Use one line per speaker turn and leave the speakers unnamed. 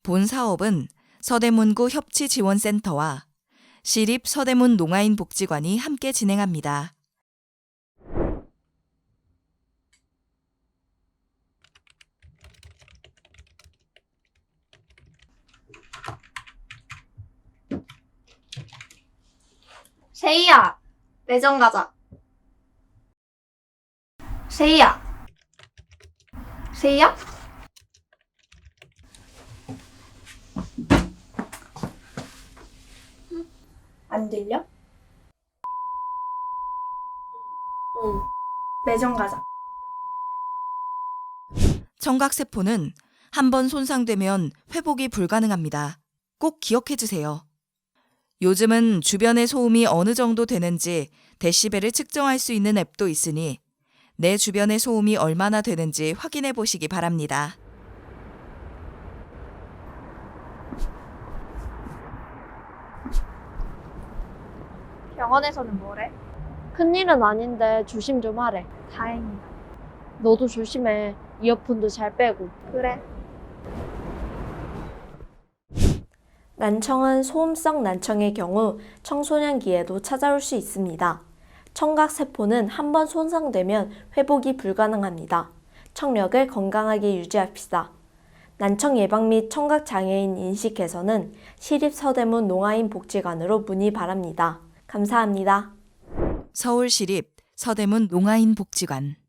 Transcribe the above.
본 사업은 서대문구 협치지원센터와 시립 서대문 농아인 복지관이 함께 진행합니다.
세희야, 매점 가자. 세희야. 세희야? 안 들려? 응. 매점 가자.
청각세포는 한번 손상되면 회복이 불가능합니다. 꼭 기억해 주세요. 요즘은 주변의 소음이 어느 정도 되는지 데시벨을 측정할 수 있는 앱도 있으니 내 주변의 소음이 얼마나 되는지 확인해 보시기 바랍니다.
병원에서는 뭐래?
큰일은 아닌데 조심 좀 하래.
다행이다.
너도 조심해. 이어폰도 잘 빼고.
그래.
난청은 소음성 난청의 경우 청소년기에도 찾아올 수 있습니다. 청각세포는 한번 손상되면 회복이 불가능합니다. 청력을 건강하게 유지합시다. 난청 예방 및 청각장애인 인식 개선은 시립서대문 농아인 복지관으로 문의 바랍니다. 감사합니다.
서울시립 서대문 농아인 복지관